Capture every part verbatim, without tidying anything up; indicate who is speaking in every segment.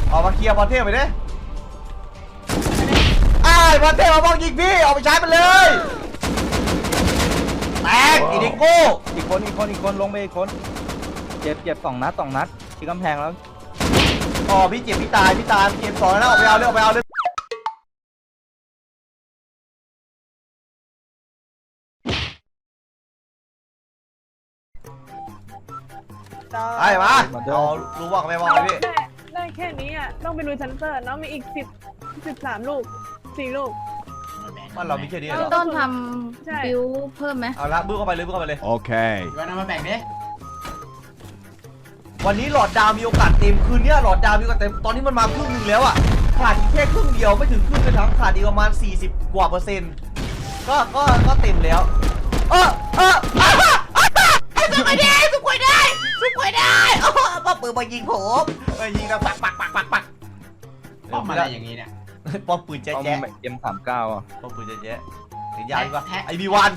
Speaker 1: ออกมาเคลียร์พรเทพไปดิไอ้พรเทพมาบ้องยิงพี่ออกไปใช้มันเลยแตกอีดิโก้
Speaker 2: อีกคนอีกคนอีกคนลงไปอีกคนเจ็บเจ็บสองนัดสองนัดที่กำแพงแล้ว
Speaker 1: อ๋อพี่เจ็บพี่ตายพี่ตายพี่เจ็บสองแล้วออกไปเอาเร็วไปเอาเร็วไอ้มาเอารู้ว่าไม่ว่าพี่
Speaker 3: ได้แค่นี้อ่ะต้องไปลุยชั้นเตอร์น้องมีอีกสิบสิบสามลูกสี่ลูก
Speaker 1: มันเรามีแค่นี้เหรอ
Speaker 4: ต้นทำบิวเพิ่มไหม
Speaker 1: เอาละบื้อเข้าไปเลยบื้อเข้าไปเลย
Speaker 5: โอเค
Speaker 6: วันนั้นมาแบ่งดิ
Speaker 1: วันนี้หลอดดาวมีโอกาสเต็มคืนนี้หลอดดาวมีโอกาสเต็มตอนนี้มันมาครึ่งนึงแล้วอ่ะขาดอีกแค่ครึ่งเดียวไม่ถึงครึ่งเลยทั้งขาดอีกประมาณสี่สิบกว่าเปอร์เซ็นต์ก็ก็ก็เต็มแล้วเออเออไอ้สุกไปได้สุกไปได้สุกไปได้ป้าปืนมายิงผมมายิงแล้วปักปักปักปักปัก
Speaker 6: ป้อมอะไรอย่างนี้เนี่ย
Speaker 1: ป้อมปืนแจ๊ะแจ๊ะ
Speaker 2: เอ็มสามเก้าอ่ะ
Speaker 1: ป้อมปืนแจ๊ะแจ๊ะถึงยาวดีกว่าไอบีวัน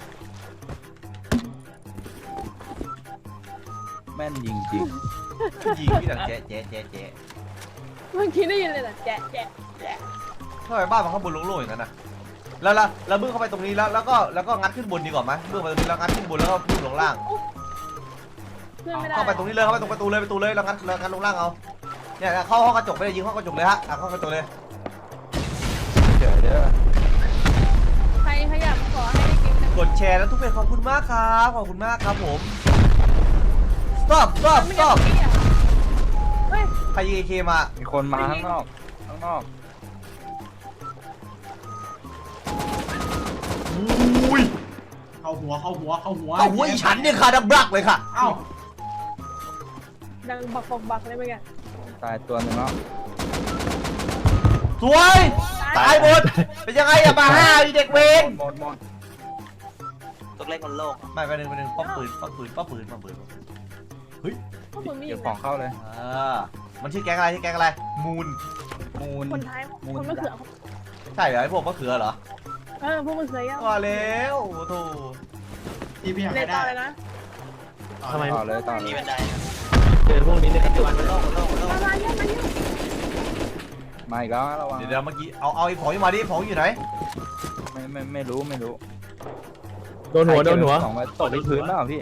Speaker 2: แม่นยิงจริง
Speaker 1: ยิงพี่ดังแจ๊ะแจ๊ะแจ๊ะแจ๊ะ
Speaker 3: เมื่อกี้ได้ยินเลยนะแจ๊ะแจ๊ะแจ๊ะ
Speaker 1: ทำไมบ้านมันข้างบนโล่งๆอย่างนั้นนะแล้วแล้วแล้วบึ้งเข้าไปตรงนี้แล้วแล้วก็แล้วก็งัดขึ้นบนดีกว่าไหมบึ้งไปตรงนี้แล้วงัดขึ้นบนแล้วก็บึ้งลงล่างเข้าไปตรงนี้เลยเข้าไปตรงประตูเลยประตูเลยแล้วงัดแล้วงัดลงล่างเอาเนี่ยเข้าห้องกระจกไปเลยยิงห้องกระจกเลยฮะเข้ากระจกเลย
Speaker 2: เดี๋ยวเดี๋ยว
Speaker 3: ใครขยับขอให้ได้กิน
Speaker 1: กดแชร์แล้วทุกเพจขอบคุณมากครับขอบคุณมากครับผม stop stop stop ใครยิงเอเคมา
Speaker 2: มีคนมาข้างนอกข้างนอก
Speaker 1: อุ้ย
Speaker 6: เข้าหัวเข้าหัวเข้าหัว
Speaker 1: เข้าหัวอีฉันเนี่ยค่ะดังบลักเลยค่ะ
Speaker 6: เอ้า
Speaker 3: ดังบักบักบักเลยเมื่อกี้
Speaker 2: ตายตัวหนึ่งแล้ว
Speaker 1: สวยตายหมดเป็นยังไงอะมาห้าอีเด็กเวร
Speaker 2: หมดหมด
Speaker 7: ตัวเล็กมันโลก
Speaker 1: ไม่ไปหนึ่งไปหนึ่งป้อมปืนป้อมปืนป้อมปืนป้อมปืนเฮ้ย
Speaker 2: เก็บของเข้าเลย
Speaker 1: อ่ามันชื่อแก๊งอะไรชื่อแก๊งอะไรมูน
Speaker 2: มูน
Speaker 3: คนไทยคนมะเขือ
Speaker 1: ใช่เหรอไอพวกมะเขือเหรอ
Speaker 3: เออพวกมะเขือย่า
Speaker 1: ว่าแล้วโอ้โห
Speaker 6: ที่พี่อยากได้
Speaker 3: เลยนะ
Speaker 2: ทำไมต่อเลยต่อเลย
Speaker 7: นี่มันได้
Speaker 6: เจอพวกนี้เนี่ย
Speaker 7: ตัวมันโลกโลกโลก
Speaker 3: มาเยอะมาเยอะ
Speaker 2: มาอีกแล้วระวัง
Speaker 1: เดี๋ยวเมื่อกี้เอาเอาไอ้ของมาดิของอยู่ไหน
Speaker 2: ไม่ไม่ไม่รู้ไม่รู้
Speaker 5: โดนหัวโดนหัว
Speaker 2: สองตกไปพื้นเปล่าพี่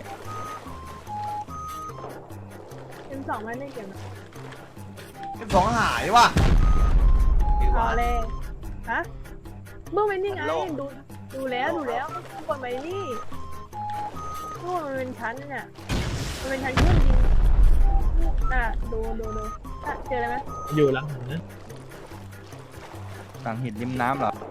Speaker 3: เป็นสองไม่ได้เก็บ
Speaker 1: เป็นสองหายว่ะ
Speaker 3: เอาเลยฮะเมื่อวันนี้ไงดูดูแล้วดูแล้วกดไปนี่พวกมันเป็นชั้นเนี่ยมันเป็นชั้นเครื่องยิงอ่ะดูดูดูเจออะไรไหม
Speaker 5: อยู่หลังหินนะ
Speaker 2: หลังหินริมน้ำเหรอ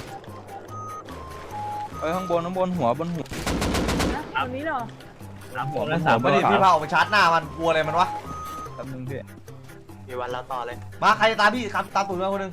Speaker 2: เอ้ยข้างบนข้างบนหัวบนหัว
Speaker 3: ตรงนี้เหรอ
Speaker 2: หัวบนหั
Speaker 1: วไม่ได้พี่เผาไปชาร์จหน้ามันกลัวอะไรมันวะ
Speaker 2: แป๊บนึงพี่
Speaker 7: มีวันเราต่อเลย
Speaker 1: มาใครจะตามพี่ครับตามตุ่นมาคนนึง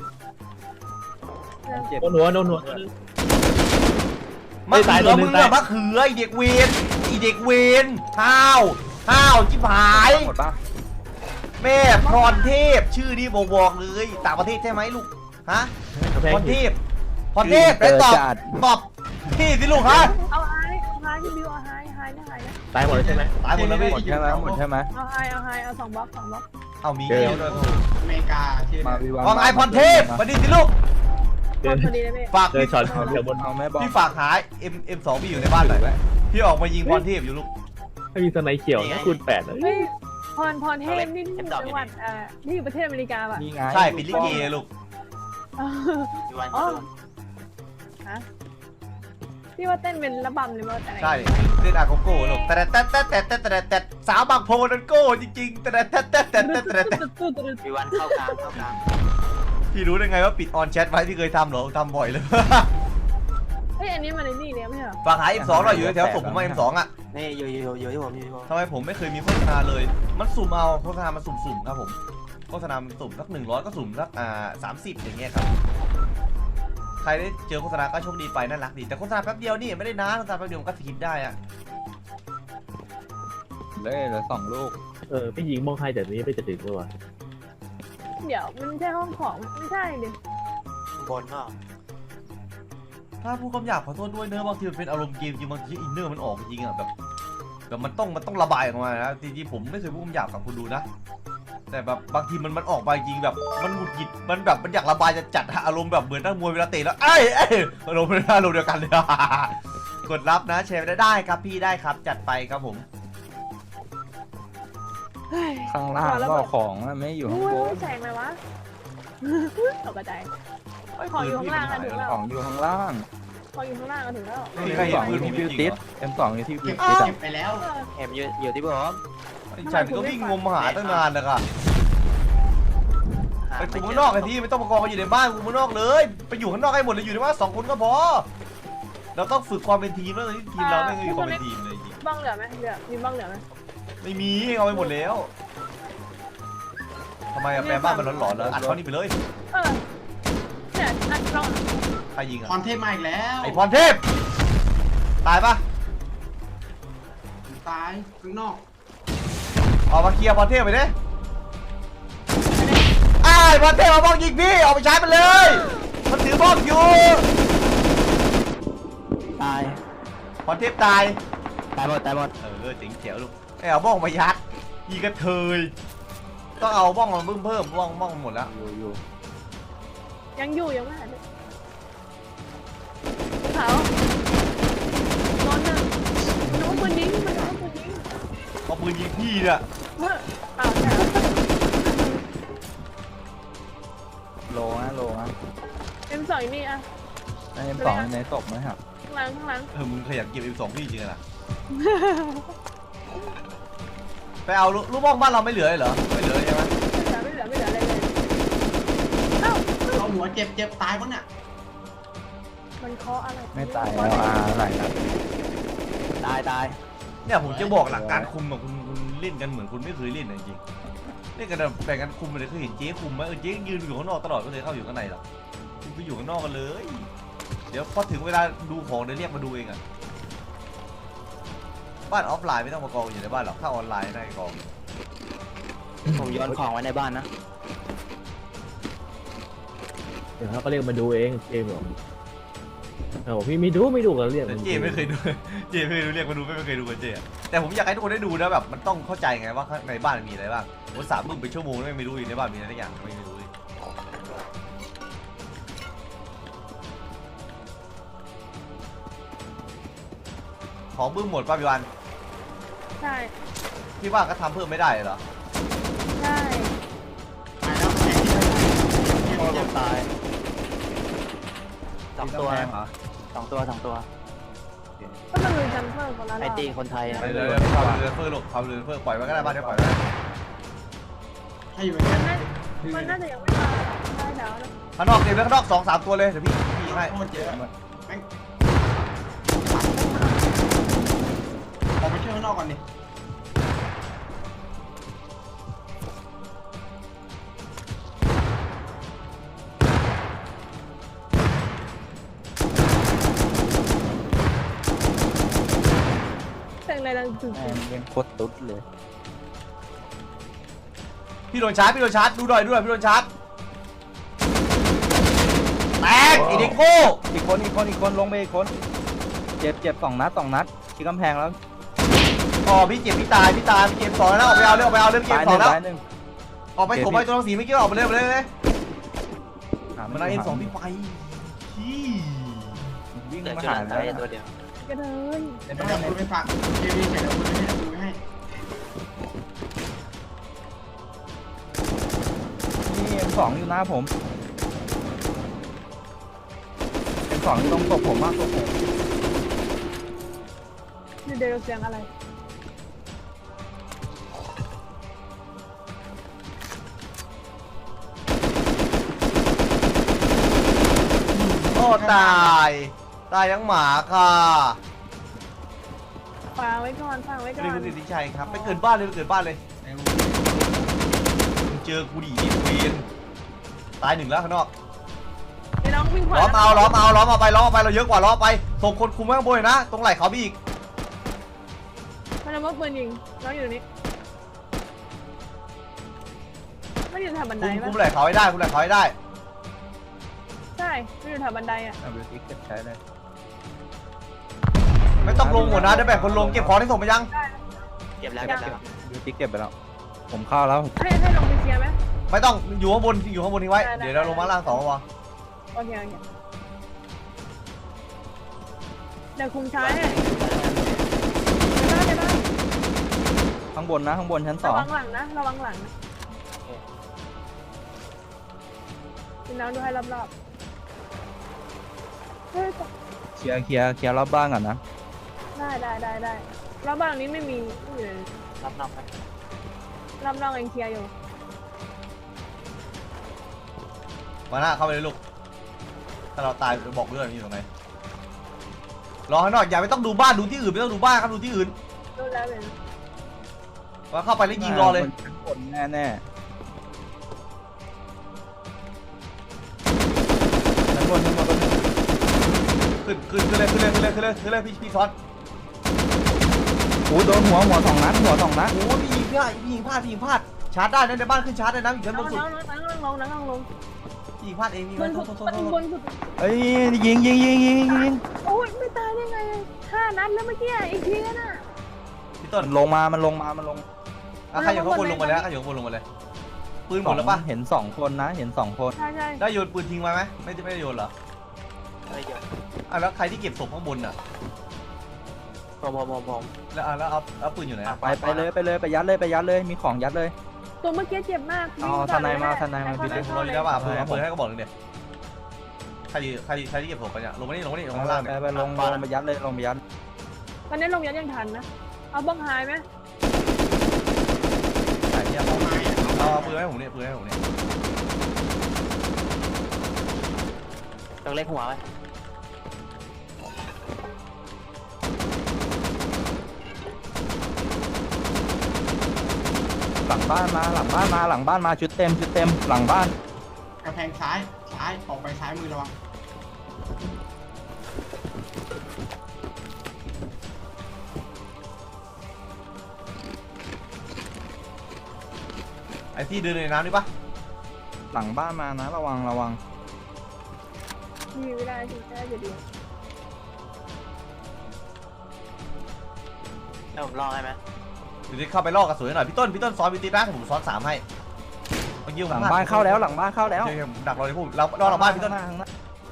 Speaker 5: โดนหัวโดนหัว
Speaker 1: มะเขือมึงอะมะเขือไอเด็กเวนไอเด็กเวนห้าวห้าวจิ๊บหายแม่พรเทพชื่อนี่บอกบอกเลยต่างประเทศใช่ไหมลูกฮะพรเทพพรเทพไปตอบตอบพี่สิลูกฮะ
Speaker 3: เอาไฮเอาไฮพี่บิวเอาไฮไฮนะไฮนะ
Speaker 5: ตายหมดเลยใช่ไหม
Speaker 1: ตายหมดแล้วพี่
Speaker 2: หมดใช่ไหมหมดใช่ไหม
Speaker 3: เอาไฮเอาไฮเอาสองบล็อกสองบล็อก
Speaker 1: เอามีเอลด้วย
Speaker 6: อเมริกา
Speaker 2: มาวิวัน
Speaker 1: ของไอพรเทพมาดิสิลูกฝากพี่
Speaker 5: ช็อตเดี๋ยวบน
Speaker 2: เอาแม่บอก
Speaker 1: พี่ฝากหาเอ็มเอ็มสองพี่อยู่ในบ้านหน่อยพี่ออกมายิงพรเทพอยู่ลูก
Speaker 5: ให้มีสไนเขียวนะคูณแปด
Speaker 3: เลยพรพรเทพนี่ที่จังหวัดอ่านี่อยู่ประเทศอเมริกาป่ะ
Speaker 1: ใช่เป็นลิเกลูก
Speaker 3: อ๋อฮะพี่ว่าเต้นเป็นระบำเลยมั้งแต่
Speaker 1: ใช่เต้นอาโกโก้ลูกแต่แต่แต่แต่แต่แต่แต่สาวบางโพนันโก้จริงๆแต่แต่แต่แต่แต่แต่แต่
Speaker 7: มีวันเข้ากลางเข้ากลาง
Speaker 1: พี่รู้ได้ไงว่าปิดออนแชทไว้ที่เคยทำเหรอทำบ่อยเลย
Speaker 3: เฮ้ยอันนี้มันในนี่เนี่ยไม่ใช่หรอ
Speaker 1: ฝากหา เอ็ม สอง เราอยู่แถวส่งผมมา เอ็ม สอง อ่ะ
Speaker 7: นี่อยู่อยู่อยู่ที่ผมอยู่ที่ผม
Speaker 1: ทำไมผมไม่เคยมีโฆษณาเลยมันสุ่มเอาโฆษณามันสุ่มๆครับผมโฆษณามันสุ่มสักหนึ่งร้อยก็สุ่มสักอ่าสามสิบอย่างเงี้ยครับใครได้เจอโฆษณาก็โชคดีไปน่ารักดีแต่โฆษณาแป๊บเดียวนี่ไม่ได้นานโฆษณาแป๊บเดียวมันก็สกิปได้อ่ะ
Speaker 2: เลยเหลือสองลูก
Speaker 5: เออพี่ยิงมองใครแต่นี้ไปจะถึงเมื่อวาน
Speaker 3: เดี๋ยวมันใช่ห้องของไม่ใช่ดิ
Speaker 7: บนเนาะ
Speaker 1: ถ้าผู้กำหยาบขอโทษด้วยเนอะบางทีมันเป็นอารมณ์เกมจริงบางทีอินเนอร์มันออกจริงอ่ะแบบแบบมันต้องมันต้องระบายออกมานะจริงๆผมไม่เคยพูดคำหยาบกับคุณดูนะแต่แบบบางทีมันมันออกมาจริงแบบมันหงุดหงิดมันแบบมันอยากระบายจะจัดอารมณ์แบบเหมือนนักมวยเวลาเตะแล้วเอ้ยเอ้ยอารมณ์เป็นอารมณ์เดียวกันเลย กดรับนะแชร์ได้ได้ครับพี่ได้ครับจัดไปครับผม
Speaker 3: เฮ้ย
Speaker 2: ข้างล่างก็ของอะไม่อยู่ข้างบ
Speaker 3: โอ้ย
Speaker 2: น
Speaker 3: แสงเลยวะ ตกใจของอยู่ข้างล่างอะถึงแล้ว
Speaker 2: ของอยู่ข้างล่าง
Speaker 3: ของอยู่ข้างล่างอะถึงแล้ว
Speaker 1: ไม่มีใครเห็นปืนผม
Speaker 2: บิว
Speaker 1: จริ
Speaker 2: ติ
Speaker 1: ง
Speaker 2: ส
Speaker 1: เหรอ
Speaker 2: เอ็มสองอยู่ที่บิ
Speaker 6: เก็
Speaker 2: ว
Speaker 6: บ
Speaker 2: ติส
Speaker 6: เก็บไปแล้ว
Speaker 7: เอ็มอยู่อยู่ที่ผม
Speaker 1: ไอ้ฉันก็วิ่งงมหาตั้งนานแล้วค่ะ
Speaker 7: หา
Speaker 1: ไป
Speaker 7: ม่
Speaker 1: กู
Speaker 7: เจ
Speaker 1: ข้างนอกไอ้ที่ไม่ต้องมากองกันอยู่ในบ้านกูข้างนอกเลยไปอยู่ข้างนอกให้หมดเลยอยู่ในบ้านสองคนก็พอเราต้องฝึกความเป็นทีมแล้วตอนนี้ทีมเราไม่มีความเป็นทีมเลยจริง
Speaker 3: บ้างเหลือไหมเหลือมีบ้างเหลือไหม
Speaker 1: ไม่มีเอาไปหมดแล้วทำไมอะแปลบ้านมันหลอนๆแล้วอัดเขานี่ไปเลย
Speaker 3: เออเนี่ยอัดลอง
Speaker 1: ใครยิง
Speaker 6: พ
Speaker 1: อะ
Speaker 6: รเทพมาอีกแล้ว
Speaker 1: ไอพรเทพตายปะ
Speaker 6: ตายข้างนอก
Speaker 1: ออกมาเคลียร์พรเทพไปดิไอ้ายพรเทพมาบ้องยิงพี่ออกไปใช้มันเลยมันถือบ้องอยู่
Speaker 2: ตาย
Speaker 1: พรเทพตาย
Speaker 2: ตายหมดตายหมด
Speaker 1: เออเจ๋งเจ๋วลูกไอ้เอาบ้องมายัดยีกระเทยต้องเอาบ้องมาเพิ่มเพิ่มบ้องบ้องหมดแล้ว
Speaker 2: อยู่อยู่
Speaker 3: ยังอยู่ยังไม่หายเลยเขานอนหนึ่งมันรู้ปืนยิงมันรู้ปืนยิง
Speaker 1: เอาปืนยิงพี่เนี่ย
Speaker 3: เอออ้าวเนี่ย
Speaker 2: โลนะโลนะ
Speaker 3: เอ็มสองนี่อะ
Speaker 2: เอ็มสองในศพไหมครับ
Speaker 3: ข้างหลังข้างหลัง
Speaker 1: เออมึงขยันเก็บ เอ็ม สอง พี่จริงๆนะไปเอาลูกบ้องบ้านเราไม่เหลือเลยเหรอไม่เหลือใช่ไหม
Speaker 3: ไม่เหลือไม่เหลือไม่เหลืออะไรเลยเอ้า
Speaker 6: เอาหัวเจ็บเจ็บตายปะเนี่ย
Speaker 3: มันเคาะอะไร
Speaker 2: ไม่ตายแล้วอ่าอะไรครับตายตาย
Speaker 1: เนี่ยผมจะบอกหลักการคุมอะคุณคุณเล่นกันเหมือนคุณไม่เคยเล่นนะจริงๆเล่นกันแบบแบ่งกันคุมเลยเคยเห็นเจ๊คุมไหมเออเจ๊ยืนอยู่ข้างนอกตลอดไม่เคยเข้าอยู่ข้างในหรอกคุณไปอยู่ข้างนอกกันเลย เดี๋ยวพอถึงเวลาดูของเดี๋ยวเรียกมาดูเองอะบ้านออฟไลน์ไม่ต้องมากองอยู่ในบ้านหรอกถ้าออนไลน์ได้กอง
Speaker 7: ผมโยนของไว้ในบ้านนะ
Speaker 5: เดี๋ยวเขาก็เรียกมาดูเองเจมส์บอกเออพี่ไม่ดูไม่ดูกันเรียก
Speaker 1: แต่เจไม่เคยดู เจไม่เคยดูเรียกมาดูไม่เคยดูกันเจอะแต่ผมอยากให้ทุกคนได้ดูนะแบบมันต้องเข้าใจไงว่าข้างในบ้านมันมีอะไรบ้างผมสามมึงเป็นชั่วโมงไม่รู้อยู่ในบ้านมีอะไรสักอย่างไม่รู้เลยของบึ้มหมดป่ะพี่วัน
Speaker 3: ใช่
Speaker 1: พี่ว่าก็ทำเพิ่มไม่ได้เหรอ
Speaker 3: ใช่
Speaker 6: ตายแล้วแข่งที่
Speaker 7: โอ้
Speaker 6: เจ็บ
Speaker 7: ผมตายสองตัว
Speaker 2: แพงเหรอ
Speaker 7: สองตัวสองตัว
Speaker 3: ก็มันเลยจัมเปอร์คนละร
Speaker 7: ไอ
Speaker 3: อบ
Speaker 7: ตีคนไทยอะ
Speaker 1: เดี๋ยวเดี๋ยวความเรือเฟื่อหลบความเรือเฟื่อปล่อยไว้ก็ได้บ้านเดี๋ยวปล่อยไว้
Speaker 6: ให้อยู่
Speaker 3: มัน
Speaker 6: เนี่ย
Speaker 3: น่ามันน่าจะยังไม่มาได้แล้วนะ
Speaker 1: ข้างนอกเต็มแล้วข้างนอกสองสามตัวเลยเดี๋ยวพี่พี่ให้
Speaker 6: โคตรเยอะแม่งออกไปเที่ยวข้างนอกก่อนดิ
Speaker 3: เสียงอะไรดังตึง
Speaker 2: แม่งยังโคตรตุ๊ดเลย
Speaker 1: พี่โดนชาร์จพี่โดนชาร์จดูหน่อยดูหน่อยพี่โดนชาร์จแตกไอเด็กโง่
Speaker 2: อีกคนอีกคนอีกคนลงไปอีกคนเจ็บเจ็บสองนัดสองนัดที่กำแพงแล้ว
Speaker 1: อ๋อพี่เจ็บพี่ตายพี่ตายพี่เกมสองแล้วออกไปเอาเรื่องออกไปเอาเรื่องเกม
Speaker 2: ตาย
Speaker 1: ส
Speaker 2: ห
Speaker 1: อ
Speaker 2: นึ่
Speaker 1: ง
Speaker 2: ง
Speaker 1: แล้ว
Speaker 2: ตายหนึ่ง
Speaker 1: ออกไปผมไปตัวหนังสีไม่คิดว่าออกไปเลยไปเลยเลย
Speaker 2: หา
Speaker 1: มันเอาเอ็มสองพี่ไปที่
Speaker 2: วิ่ง
Speaker 7: เหลือ
Speaker 2: มา
Speaker 7: จุด
Speaker 2: หา
Speaker 7: นั้น
Speaker 2: แล้ว
Speaker 7: ได้ตัวเดียว
Speaker 3: กระเดิน
Speaker 6: เดี๋ยวเอาปืนไปฝากเจวีเดี๋ยวเอาปืนไปให้ดูให้
Speaker 2: นี่เอ็มสองอยู่หน้าผมเอ็มสองอยู่ตรงศพผมมากศพผม
Speaker 3: นี่เดี๋ยวเสียงอะไร
Speaker 1: โอ้ตายตายยังหมาค่ะ
Speaker 3: ฝากไว้ก่อนฝากไว้ก่อ
Speaker 1: นี่
Speaker 3: น
Speaker 1: คือสิทธิชัยครับไปเกิดบ้านเลยไปเกิดบ้านเลยมึงเจอกูดิเวนตายหนึ่งแล้วข้างนอก
Speaker 3: ไอ้น้องวิ่งขวา
Speaker 1: ล้อมเอาล้อมเอาล้อมเอาไปล้อมเอาไปเราเยอะกว่าล้อมไปส่งคนคุมไว้ข้างบนเลยนะตรงไหล่เขาพี่อีก
Speaker 3: มันเอาปืนยิงน้องอยู่ตรงนี้ไม่อยู่แถวบันได
Speaker 1: คุม
Speaker 3: ปะ
Speaker 1: คุมไหล่เขาให้ได้คุมไหล่เขาให้ได้
Speaker 3: ใช่ไม่อยู่แถวบันไดอ่ะ
Speaker 2: เอาบิวตี้เก็บใช้เลย
Speaker 1: ไม่ต้องลงหัวนะเดี๋ยวแบ่งคนลงเก็บของที่ส่งไปยัง
Speaker 7: เก็บแล้วเก็บแล้ว
Speaker 2: บิวตี้เก็บไปแล้ว ผมเข้าแล้ว
Speaker 3: ให้ให้ลงไปเคลียร์
Speaker 1: ไม่ต้องอยู่ข้างบนอยู่ข้างบนทิ้งไว้เดี๋ยวเราลงมาล่างต่อวะ
Speaker 3: โอเคโอเคเดี๋ยวคุมช้าให้ในบ้านในบ้าน
Speaker 2: ข้างบนนะข้างบนชั้นส
Speaker 3: ระ
Speaker 2: อง
Speaker 3: วังหลังนะระวังหลังนะกินน้ำดูให้รอบๆเฮ้ย
Speaker 2: เคลียร์เคลียร์เคลียร์รอบบ้านก่อนนะ
Speaker 3: ได้ได้ได้ได้รอบบ้านนี้ไม่มีไม่มีเลย
Speaker 7: รับนอกไป
Speaker 3: รอบนอกเองเคลียร์อยู่
Speaker 1: มาหน้าเข้าไปเลยลูกถ้าเราตายบอกเพื่อนอยู่ตรงไหนรอให้หน่อยอย่าไม่ต้องดูบ้านดูที่อื่นไม่ต้องดูบ้านครับดูที่อื่น
Speaker 3: รู้แล้วเลย
Speaker 1: มาเข้าไปแล้วยิงรอเลย
Speaker 2: ชั้นบนแน่แน่ชั้นบนชั้นบนชั้นบน
Speaker 1: ขึ้นขึ้นขึ้นเลยขึ้นเลยขึ้นเลยขึ้นเลยขึ้นเลยพี่พี่ซ้อน
Speaker 2: โอ้โดนหัวหัวสองนัดหัวสองนัด
Speaker 1: โอ้พี่ยิงพลาดพี่ยิงพลาดพี่ยิงพลาดชาร์จได้นะในบ้านขึ้นชาร์จได้นะอยู่ชั้นบนสุด
Speaker 3: นั่งนั่งนั่งลงนั่งนั่งลง
Speaker 1: พี่ยิงพลาดเองพี่
Speaker 3: บน
Speaker 1: โท
Speaker 3: สุ
Speaker 1: ษ
Speaker 3: ด
Speaker 1: โทษโทษโท
Speaker 3: บ
Speaker 1: ษ
Speaker 3: นสุด
Speaker 2: เอ้ยยิงยิงยิงยิงยิงยิง
Speaker 3: โอ้ยไม่ตายได้ไงห้านัดแล้วเมื่อกี้อีกทีน่ะ
Speaker 1: พี่ต้น
Speaker 2: มันลงมามันลงมามันลง
Speaker 1: อ่ะใครอยู่ข้างบนลงมาแล้วใครอยู่ข้างบนลงมาเลยปืนหมดแล้วปะ
Speaker 2: เห็นสองคนนะเห็นสองคน
Speaker 3: ใช่ใช่
Speaker 1: ได้โยนปืนทิ้งไว้ไหมไม่ได้ไม่ได้โยนเหรอ
Speaker 7: อะไรเดี๋ยว
Speaker 1: อ่ะแล้วใครที่เก็บศพข้างบนอ่ะ
Speaker 7: ผมผมผมผม
Speaker 1: แล้วอ่ะแล้วเอาเอาปืนอยู่ไหนอ่ะ
Speaker 2: ไปไปเลยไปเลยไปยัดเลยไปยัดเลยมีของยัดเลย
Speaker 3: ตัวเมื่อกี้เจ็บมาก
Speaker 2: เอาทนายมาทนายมา
Speaker 1: พี่เล็กเราอยู่แล้วป่ะปืนเอาปืนให้ก็บอกหนึ่งเดียวใครที่ใครที่ใครที่เก็บศพกันเนี่ยลงมานี่ลงมานี่ลงมาข้างล่าง
Speaker 2: ไป
Speaker 1: เนี่ย
Speaker 2: ไปลงลงไปยัดเลยลงไปยัด
Speaker 3: ตอนนี้ลงยันยังทันนะเอาบ้องหายไหม
Speaker 1: ไหนเนี่ย
Speaker 6: เอาไม้อะ
Speaker 1: เอาเอาปืนให้ผมเนี่ยปืนให้ผมเนี่ย
Speaker 7: ต้องเล็กหัวไว้
Speaker 2: หลังบ้านมาหลังบ้านมาหลังบ้านมาชุดเต็มชุดเต็มหลังบ้าน
Speaker 6: กระแพงซ้ายซ้ายออกไปซ้ายมือระวัง
Speaker 1: ไอ้ที่เดินในน้ำนี่ปะ
Speaker 2: หลังบ้านมานะระวังระวัง
Speaker 3: มีไม่ได้สิได้จะดี
Speaker 7: แล้วผมลองให้ไหม
Speaker 1: อยู่ที่เข้าไปลอกกระสุนหน่อยพี่ต้นพี่ต้นซ้อนพี่ติ๊กนะผมซ้อนสามให้เมื่อกี้ผม
Speaker 2: หลังบ้านเข้าแล้วหลังบ้านเข้าแล้ว
Speaker 1: โอเคผมดักรอเลยพูดเรารอหลังบ้านพี่ต้น
Speaker 2: ข้างหน้า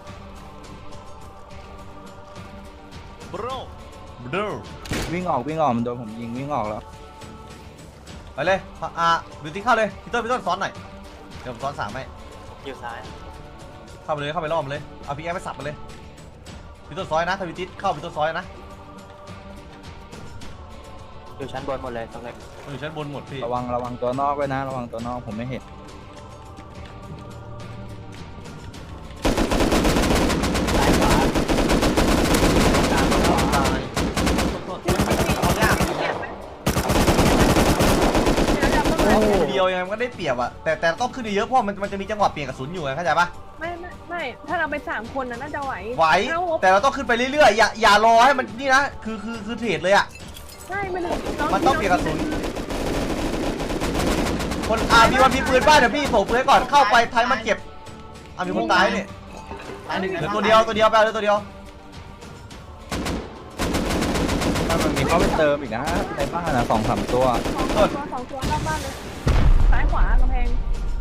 Speaker 1: บรูบรู
Speaker 2: วิ่งออกวิ่งออกมันโดนผมยิงวิ่งออกแล้ว
Speaker 1: ไปเลยอ่าบิวตี้เข้าเลยพี่ต้นพี่ต้นซ้อนหน่อยเดี๋ยวผมซ้อนสามให้
Speaker 7: อยู่ซ้าย
Speaker 1: เข้าไปเลยเข้าไปล่อมันเลยเอาพี่แอฟไปสับมันเลยพี่ต้นซอยนะถ้าพี่ติ๊กเข้าพี่ต้นซอยนะ
Speaker 7: อยู่ชั้นบนหมดเลยต้องเล็ก
Speaker 1: มันอยู่ชั้นบนหมดพี่
Speaker 2: ระวังระวังตัวนอกไว้นะระวังตัวนอกผมไม่เห็น
Speaker 7: ซ้ายขวา
Speaker 1: ตายเอายาก
Speaker 3: เดี๋ยวจะ
Speaker 1: โอ้เดียวยังไงมันก็ได้เปรียบอะแต่แต่ต้องขึ้นเยอะเพราะมันมันจะมีจังหวะเปลี่ยนกระสุนอยู่ไงเข้าใจปะ
Speaker 3: ไม่ไม่ไม่ถ้าเราไปสามคนนะน่าจะไหว
Speaker 1: ไหวแต่เราต้องขึ้นไปเรื่อยๆอย่าอย่ารอให้มันนี่นะคือคือคือเทรดเลยอะ
Speaker 3: ใช่ไม่ได้
Speaker 1: มันต้องเปลี่ยนกระสุนคนอ่ามีวันมีปืนบ้านเดี๋ยวพี่ส่งปืนให้ก่อนเข้าไปไทยมันเก็บอ่ามีคนตายนี่
Speaker 6: ซ้ายหนึ่ง
Speaker 1: เหลือตัวเดียวตัวเดียวไปเอาเลยตัวเดียว
Speaker 2: ถ้ามันมีเข้าไปเติมอีกนะในบ้านนะสองสามตัว
Speaker 3: สองตัวสองตัวรอบบ้านเลยซ้ายขวากำแพง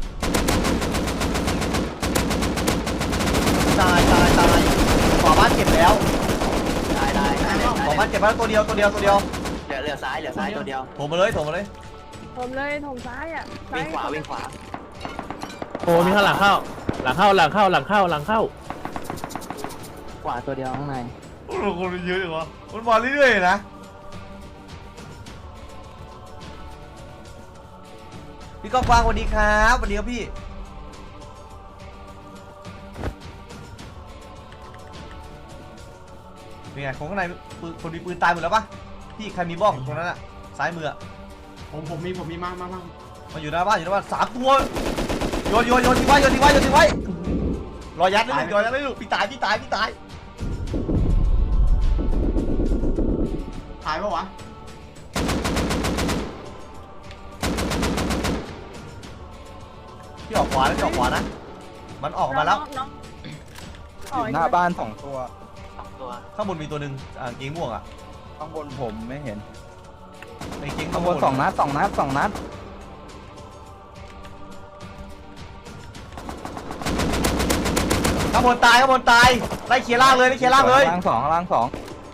Speaker 1: ตายตายตายขวาบ้านเก็บแล้ว
Speaker 7: ได้ได้ได้ได้
Speaker 1: ขวาบ้านเก็บแล้วตัวเดียวตัวเดียวตัวเดียว
Speaker 7: เหลือเหลือซ้ายเหลือซ้ายตัวเดียว
Speaker 1: โถมมาเลยโถมมาเลย
Speaker 3: ผมเลยผมซ้ายอ่ะ
Speaker 7: วิ่งขวาวิ่งขวา
Speaker 5: โอ้มีข้างหลังเข้า หลังเข้าหลังเข้าหลังเข้าหลังเข้า
Speaker 7: ขวาตัวเดียวข้างใน
Speaker 1: โอ้โหคนเยอะเลยวะมันมาเรื่อยๆนะพี่ก้องกวางสวัสดีครับสวัสดีครับพี่เป็นไงคนข้างในปืนคนมีปืนตายหมดแล้วปะพี่ใครมีบ้องตรงนั้นอะซ้ายมืออะ
Speaker 6: ผมผมมีผมมีมามามา
Speaker 1: มาอยู่หน้าบ้านอยู่หน้าบ้านสามตัวโยนโยนโยนทิ้งไว้โยนทิ้งไว้โยนทิ้งไว้รอยัดเลยลูกรอยัดเลยลูกพี่ตายพี่ตายพี่ตาย
Speaker 6: ถ่ายปะวะ
Speaker 1: พี่ออกขวานะพี่ออกขวานะมันออกมาแล้ว
Speaker 3: น้อง
Speaker 2: อยู่หน้าบ้านสองตัว
Speaker 7: สองตัว
Speaker 1: ข้างบนมีตัวหนึ่งอ่าเกงม่วงอ่ะ
Speaker 2: ข้างบนผมไม่เห็น
Speaker 1: ในเกง
Speaker 2: ข้างบนสองนัดสองนัดสองนัด
Speaker 1: ข้างบนตายข้างบนตายไล่เคลียร์ล่างเลยไล่เคลียร์ล่างเลย
Speaker 2: ข้างล่างสองข้างล่างสอง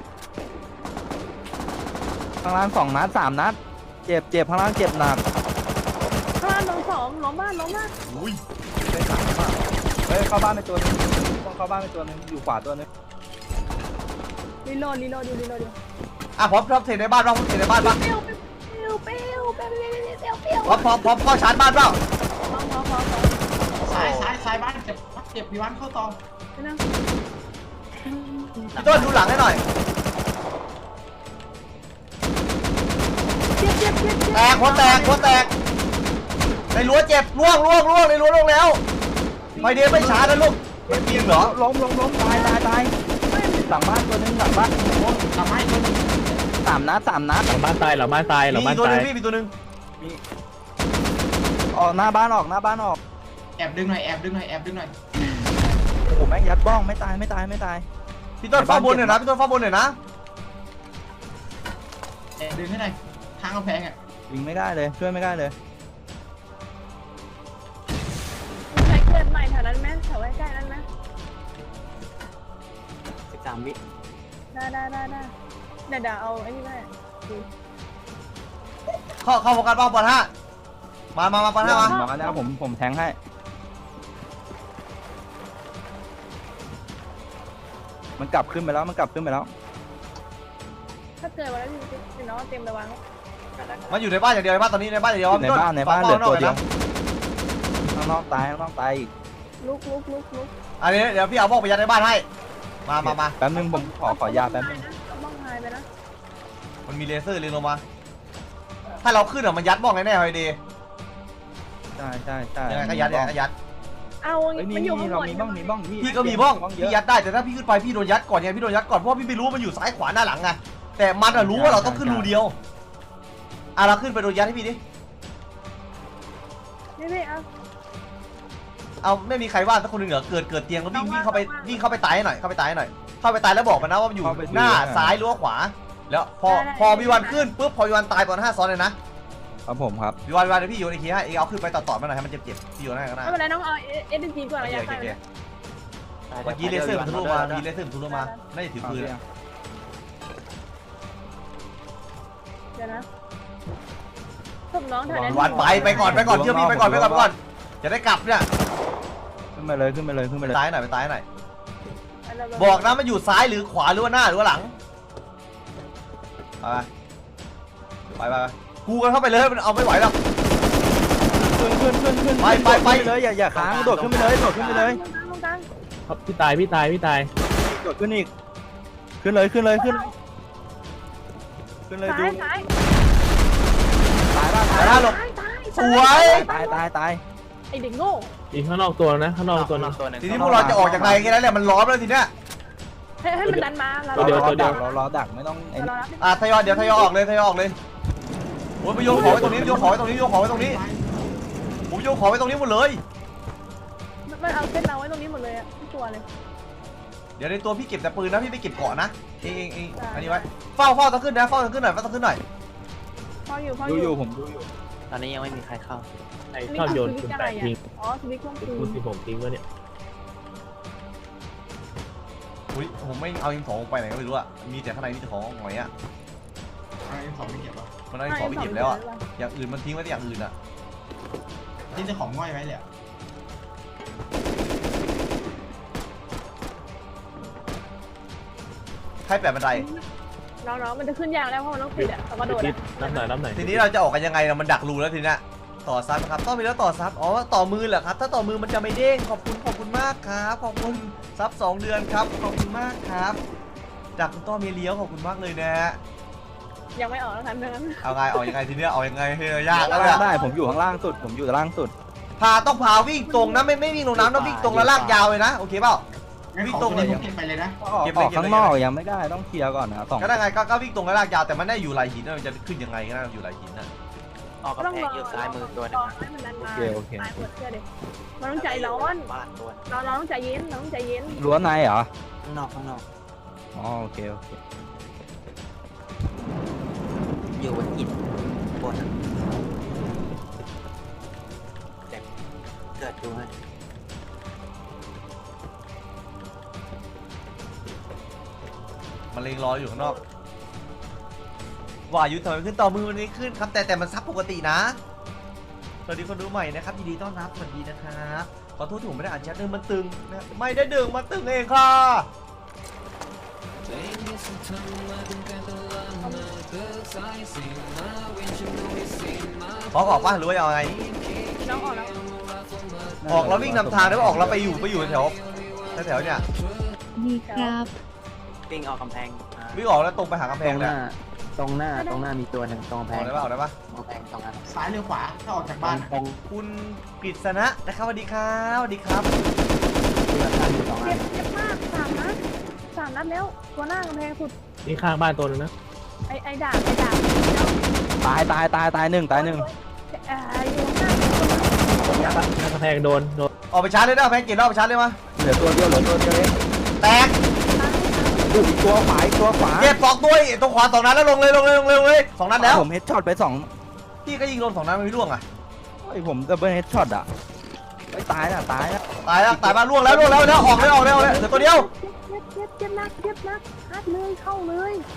Speaker 2: ข้างล่างสองนัดสามนัดเจ็บเจ็บข้างล่างเจ็บหนัก
Speaker 3: ข้างล่างลงสองล้มบ้านล้มบ้าน
Speaker 1: อุ้ย
Speaker 2: เฮ้ยสามมากเฮ้ยเข้าบ้านไปตัวนึงต้องเข้าบ้านไปตัวนึงอยู่ขวาตัวนึง
Speaker 3: รีโหลดรีโหลดดูรีโหลดดู
Speaker 1: อ่ะพร้อมพร้อมเทในบ้านบ้างพร้อมเทในบ้านบ้าง
Speaker 3: เปรี้ยวเปรี้ยวเปรี้ยวเปรี้ยวเปรี้ยวเปรี้ยวเปรี้ยว
Speaker 1: พร้อมพร้อมพร้อมเข้าชาร์จบ้านเปล่า
Speaker 3: พร้อมพร้อมพร้อมพร้อม
Speaker 6: ซ้ายซ้ายซ้ายบ้านเจ็บเจ็บพี่วันเข้าตอง
Speaker 3: ไปนะ
Speaker 1: พี่ต้นดูหลังให้หน่อย
Speaker 3: เจ็บเจ็บเจ็บเจ็บ
Speaker 1: แตกหัวแตกหัวแตกในรั้วเจ็บล่วงล่วงล่วงในรั้วล่วงแล้วไฟเดนไม่ช้านะลูกไม่จริงเหรอ
Speaker 2: ล้มล้มล้มตายตายตายหลังบ้านตัวนึงหลังบ้าน
Speaker 6: ทำให้ตัวนึง
Speaker 2: สามนัดสามนัด
Speaker 5: หลังบ้านตายหลังบ้านตายหลัง
Speaker 1: มี
Speaker 5: บ้าน
Speaker 1: ตัวห
Speaker 5: ตา
Speaker 1: นึ
Speaker 5: ย
Speaker 1: งพี่มีตัวหนึง
Speaker 2: ออกหน้าบ้านออกหน้าบ้านออก
Speaker 6: แอบดึงหน่อยแอบดึงหน่อยแอบดึงหน่อย
Speaker 2: โอ้โหแม่งยัดบ้องไม่ตายไม่ตายไม่ตาย
Speaker 1: พี่ต้นเฝ้าบนหน่อยนะพี่ต้นเฝ้าบนหน่อยนะ
Speaker 6: แอบดึงให้หน่อยทางกำแพงอ่ะ
Speaker 2: ยิงไม่ได้เลยช่วยไม่ได้เลย
Speaker 3: ใช้เกิดใหม่แถวนั้นไหมแถวใกล้ๆนั้นไหม
Speaker 7: สิบสามวิ
Speaker 3: ได้ได้ได้ได้เดี๋ยวเดี๋ยวเอาไอ้นี่ไป
Speaker 1: เข้าเข้าโฟกัสบ้างบอลห้ามามามาบอลห้ามา
Speaker 2: มาแล้วผมผมแทงให้มันกลับขึ้นไปแล้วมันกลับขึ้นไปแล้ว
Speaker 3: ถ้าเกิดวันนั้นพี่น้องเตรียมระวัง
Speaker 1: มันอยู่ในบ้านอย่างเดียวในบ้านตอนนี้ในบ้านอย่างเดียว
Speaker 2: ในบ้านในบ้านเหลือตัวเดียว
Speaker 1: ข้างนอกนะ
Speaker 2: ข้างนอกตายข้างนอกตายอีก
Speaker 3: ลุกลุกลุกลุก
Speaker 1: อันนี้เดี๋ยวพี่เอาบ้องไปยัดในบ้านให้มามามา
Speaker 2: แป๊บนึงผมขอขอยาแป๊บนึง
Speaker 3: บ้องหายไปนะ
Speaker 1: มันมีเลเซอร์เล็งลงมา ถ้าเราขึ้นอะมันยัดบ้องแน่ๆเลยดี
Speaker 2: ใช่ใช่ใช่
Speaker 1: ยังไงก็ยัดยังไงก็ยัด
Speaker 3: เอา
Speaker 2: เฮ้ย
Speaker 3: มัน
Speaker 2: นี่
Speaker 3: อยู่ข้าง
Speaker 2: นี่
Speaker 3: บ
Speaker 2: เรา
Speaker 3: น
Speaker 2: มีบ้องมีบ้องพี่
Speaker 1: พี่ก็มีบ้อง
Speaker 2: เย
Speaker 1: พี่
Speaker 2: อะ
Speaker 1: ยัดได้แต่ถ้าพี่ขึ้นไปพี่โดนยัดก่อนไงพี่โดนยัดก่อนเพราะว่าพี่ไม่รู้ว่ามันอยู่ซ้ายขวาหน้าหลังไงแต่มันอะรู้ว่าเราต้องขึ้นรูเดียวอ่ะเราขึ้นไปโดนยัดให้พี่ดิ
Speaker 3: นี่พี่เอา
Speaker 1: เอาไม่มีใครว่าสักคนหนึ่งเหรอเกิดเกิดเตียงแล้ววิ่งวิ่งเข้าไปวิ่งเข้าไปตายให้หน่อยเข้าไปตายให้หน่อยเข้าไปตายแล้วบอกมันนะว่ามันอยู่หน้าซ้ายหรือว่าขวา แล้วพอพอมีวันขึ้นปุ๊บพอมีวันตายตอนห้าซ้อนเลยนะครับ
Speaker 2: ผมครับ
Speaker 1: มีวันวันเดี๋ยวพี่โยนไอ้คีให้เองเอาขึ้นไปต่อๆมาหน่อยให้มันเจ็บๆพี่โยนให้ก็ได้
Speaker 3: ไม่เป็นไรน้องเอาเอสดีจีก่อน
Speaker 1: โอ
Speaker 3: ระ
Speaker 1: เค
Speaker 3: ยะ
Speaker 1: โอ
Speaker 3: ไก
Speaker 1: เค
Speaker 3: ล
Speaker 1: โอเคเมื่อกี้เลเซอร์มันทะลุมามีเลเซอร์มันทะลุมาน่าจะถือปืนอะ
Speaker 3: เดี๋ยวนะศพน้องแถวนั้น
Speaker 1: วันไปไปก่อนไปก่อนเชื่อพี่ไปก่อนไปก่อนไปก่อนจะได้กลับเนี่ย
Speaker 2: ขึ้นไปเลยขึ้นไปเลยขึ้นไปเลย
Speaker 1: ตายหน่อยไปตายหน่อยบอกนะมันอยู่ซ้ายหรือขวาหรือว่าหน้าหรือว่าหลังไปไปไปไปกูกันเข้าไปเลยมันเอาไม่ไหวหรอก
Speaker 2: ขึ้นขึ้นขึ้นขึ้น
Speaker 1: ไปไปไป
Speaker 2: โดดขึ้นเลยอย่าอย่าค้างโดดขึ้นไปเลยโดดขึ้นไปเลย
Speaker 3: ตรงกลาง
Speaker 5: ครับพี่ตายพี่ตายพี่ตาย
Speaker 2: โดดขึ้นอีกขึ้นเลยขึ้นเลยขึ้นขึ้นเลย
Speaker 3: ซ้า
Speaker 2: ดู
Speaker 3: ยซ้าย
Speaker 2: ตายบ้าง
Speaker 1: ไป
Speaker 2: ตาย
Speaker 1: หน้าหลบ
Speaker 3: ซ้ายซ้าย
Speaker 1: สวย
Speaker 2: ตายตายตาย
Speaker 3: ไอเด็กโง่
Speaker 5: อีกข้างนอกตัวนะข้างนอกตัวนึง
Speaker 7: ตัวหนึ่ง
Speaker 1: ทีนี้พวกเราจะออกจากไหนแค่นั้นแหละมันล้อมแล้วทีเนี้ย
Speaker 3: ให้ให้มันดันมาเรา
Speaker 5: ตัวเดียวตัวเดียว
Speaker 2: เรารอดักไม่ต้องไอ้
Speaker 3: เรา
Speaker 2: นี่
Speaker 3: รับ
Speaker 1: อ่ะทยอยเดี๋ยวทยอยออกเลยทยอยออกเลยโอ้ยไปโยนของไว้ตรงนี้โยนของไว้ตรงนี้โยนของไว้ตรงนี้ผมโยนของไว้ตรงนี้หมดเลย
Speaker 3: มันเอาเส้นเราไว้ตรงนี้หมดเลยอะทุกตัวเลย
Speaker 1: เดี๋ยวในตัวพี่เก็บแต่ปืนนะพี่ไม่เก็บเกาะนะเองเองเองอันนี้ไว้เฝ้าเฝ้าตะขึ้นนะเฝ้าตะขึ้นหน่อยเฝ้าตะขึ้นหน่อย
Speaker 3: พออยู่พอ
Speaker 2: ดู
Speaker 3: อ
Speaker 2: อยู่ ยู่ผมดูอยู่
Speaker 7: ตอนนี้ยังไม่มีใครเข้า
Speaker 5: ไอ้ชอบโยนคุณแปดทิ้ง
Speaker 3: อ๋อสวิตช์เครื่องปื
Speaker 5: คุณ
Speaker 3: น
Speaker 5: สิบผมทิ้งวะเนี่ย
Speaker 1: อุ้ยผมไม่เอายิงของไปไหนก็ไม่รู้อะมีแต่ข้างในมีแต่ของหอยอะ
Speaker 6: อะไรสองไม่เก็บวะ
Speaker 1: มันเอายิงของไม่เก็บแล้วอะอย่างอื่นมันทิ้งไว้แต่อย่างอื่นอะ
Speaker 6: ที่จะของง่อยไว้เลยอะ
Speaker 1: ใครแปะบันได
Speaker 3: น้องๆมันจะขึ้นยากแล้วเพราะมันต้องปิดอะแต่ว่าโดด
Speaker 5: ติ
Speaker 3: อะ
Speaker 5: ดน้ำหน่อยน้ำหน่อย
Speaker 1: ทีนี้เราจะออกกันยังไงนะมันดักรูแล้วทีเนี้ยต่อซับนะครับต้องมีแล้วต่อซับอ๋อต่อมือเหรอครับถ้าต่อมือมันจะไม่เด้งขอบคุณขอบคุณมากครับขอบคุณซับสองเดือนครับขอบคุณมากครับจากคุณต้อมีเลี้ยวขอบคุณมากเลยนะฮะ
Speaker 3: ยังไม่ออกแล้วกันนั้น
Speaker 1: เอาไงเอายังไงทีเนี้ยเอายังไงเฮ้ยยากแล้ว
Speaker 2: ได้
Speaker 1: เนี่ย
Speaker 2: ได้ผมอยู่ข้างล่างสุด ผมอยู่ล่างสุด
Speaker 1: พาต้องพาวิ่งตรงนะไม่ไม่วิ่งลงน้ำต้องวิ่งตรงแล้วลากยาวเลยนะโอเคเปล่า
Speaker 6: งั้น
Speaker 1: วิ่ง
Speaker 6: ของ
Speaker 1: ตรง
Speaker 6: ตัว
Speaker 1: เลย
Speaker 6: นี้ผมเก็บไปเลยนะ
Speaker 2: ออก
Speaker 1: เก็บ
Speaker 2: อ
Speaker 1: เลย
Speaker 2: อก
Speaker 1: เก็บเลย
Speaker 2: ข้างนอกยังไม่ได้ต้องเคลียร์ก่อนนะสอง
Speaker 1: ก็ได้ไงก็ก็วิ่งตรงแล้วลากยาวแต่มันได้อยู่ไหลหินนะมันจะขึ้นยังไงก็ได้อยู่ไหลหินน่ะ
Speaker 7: ออกกำแพงอยู่ซ้ายมือตัวหนึ่ง
Speaker 3: ให้มันดัน
Speaker 2: โอ
Speaker 3: มา
Speaker 2: เคโอเค
Speaker 3: ตายหมดเชื่อดิมันต้องใจร้อน
Speaker 7: บ้านตัว
Speaker 3: เราเราต้องใจเย็นเราต้องใจเย็น
Speaker 2: รั้วในเหรอ
Speaker 7: ข้างนอกข้างนอก
Speaker 2: อ๋อโอเคโอเค
Speaker 7: อยู่บนอิฐบนเจ็บเกิดดูให้
Speaker 1: มันเลงรออยู่ข้างนอกว่าอยู่ทำไมขึ้นต่อมือมันไม่ขึ้นครับแต่แต่มันซับปกตินะสวัสดีคนดูใหม่นะครับยินดีต้อนรับสวัสดีนะครับขอโทษที่ผมไม่ได้อ่านแชทเดิมมันตึงนะไม่ได้ดึงมันตึงเองค่ะพอออกป่ะหรือว่าเอาไง
Speaker 3: น้องออกแล้ว
Speaker 1: ออกแล้ววิ่งนำทางได้ป่ะออกแล้วไปอยู่ไปอยู่แถวแถวๆเนี่ย
Speaker 4: ดีครับ
Speaker 7: วิ่งออกกำแพงอ่า
Speaker 1: วิ่งออกแล้วตรงไปหากำแพงเลย
Speaker 8: ตรงหน้าตรงหน้ามีตัวหนึ่งตรงกำแพ
Speaker 1: ออง กได้ป่ะออกได้ป่ะ
Speaker 8: ตรงกำแพงตรงนั้น
Speaker 6: ซ้ายหรือขวาถ้าออกจากบ้านอะ
Speaker 8: ตรง
Speaker 1: คุณกฤษณะนะครับสวัสดีครับสวัสดีครับ
Speaker 8: ที่เราตั้งอยู่สองอั
Speaker 3: เจ็
Speaker 8: น
Speaker 3: บเจ็บมากสามนัดสามนัดแล้วตัวหน้ากำแพงสุด
Speaker 5: นี่ข้างบ้านตัวนึงนะ
Speaker 3: ไอ้ไอ้ด่างไอ้ด่าง
Speaker 2: ตายตายตายตายหนึ่งตายหนึ่ง
Speaker 3: เอ่ออยู่ข้างหน้า
Speaker 5: หน้ากระแพงโดนโดน
Speaker 1: ออกไปชาร์จเลยนะแพงเกตออกไปชาร์จเลยมา
Speaker 2: เหลือตัวเดียวเหลือตัวเดียวเอง
Speaker 1: แตก
Speaker 2: อู้อีกตัวขวาอีกตัวขวา
Speaker 1: เก็บสองตัวอีกตรงขวาสองนัดแล้วลงเลยลงเลยลงเลยลงเลยสองนัดแล้ว
Speaker 2: ผมเฮดช็อตไปสอง
Speaker 1: พี่ก็ยิงโดนสองนัดมันไม่ร่วงอ่ะ
Speaker 2: ไอ้ยผมดับเบิลเฮดช็อตอ่ะไอ้ยตายน่ะตายน่ะ
Speaker 1: ตายแล้วตายมาร่วงแล้วร่วงแล้วแล้วออกเลยออกเลยออกเลยเหลือตัวเดียว
Speaker 3: เจ็บเจ็บเจ็บนักเจ็บนักฮัดเลยเข้าเลย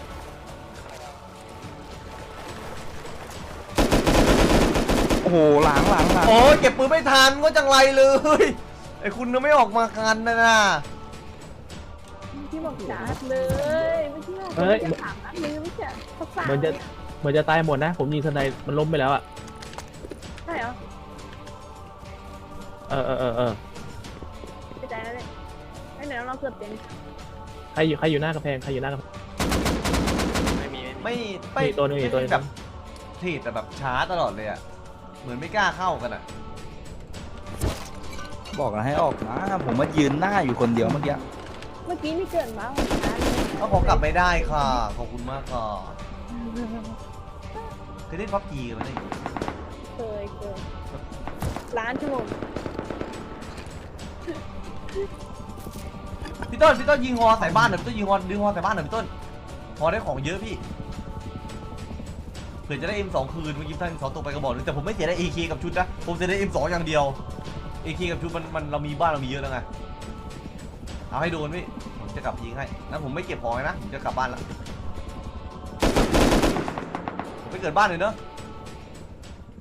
Speaker 2: โอ้โหหลังหลังหลัง
Speaker 1: โอ้ยเก็บปืนไม่ทันก็จังไรเลยไอ้คุณน่ะไม่ออกมากันนะนะ
Speaker 3: ที่บอกจัดเลยไม่ใช่ว่าจะสามนัดเลยไม่ใช่สักสาม
Speaker 5: เหมือนจะเหมือนจะตายหมดนะ ผมยิงสไนด์มันล้มไปแล้วอ่ะ
Speaker 3: ใช่เหรอ
Speaker 5: เออเออเออเออ
Speaker 3: ไปใจแล้วเลยไอ้ไหนเราเกือบเต็ม
Speaker 5: ใครอยู่ใครอยู่หน้ากระแพงใครอยู่หน้ากระแพง
Speaker 7: ไม่มีไม่มี
Speaker 1: ไม่ไม่
Speaker 5: มีตัวหนึ่งอีกตัวหนึ่ง
Speaker 1: แบบทีแต่แบบช้าตลอดเลยอ่ะเหมือนไม่กล้าเข้ากันอ่ะ
Speaker 2: บอกแล้วให้ออกนะผมมายืนหน้าอยู่คนเดียวเมื่อกี้
Speaker 3: เมื่อกี้นี่เกินมาของฉัน
Speaker 1: ก็ขอกลับไม่ได้ค่ะขอบคุณมากค่ะเคยเล่นพับจีกันไหมเนี่ย
Speaker 3: เคยเคยล้านชั่วโมง
Speaker 1: พี่ต้นพี่ต้นยิงฮอใส่บ้านหน่อยพี่ต้นยิงฮอดึงฮอใส่บ้านหน่อยพี่ต้นฮอได้ของเยอะพี่เผื่อจะได้ เอ็ม สอง คืนเมื่อกี้ท่าน เอ็ม สอง ตกไปกระบอกนึงแต่ผมไม่เสียได้ เอ เค กับชุดนะผมเสียได้ เอ็ม สอง อย่างเดียว เอ เค กับชุดมันมันเรามีบ้านเรามีเยอะแล้วไงเอาให้โดนพี่ผมจะกลับยิงให้แล้วผมไม่เก็บของเลยนะผมจะกลับบ้านละผมไปเกิดบ้านเลยเนอะ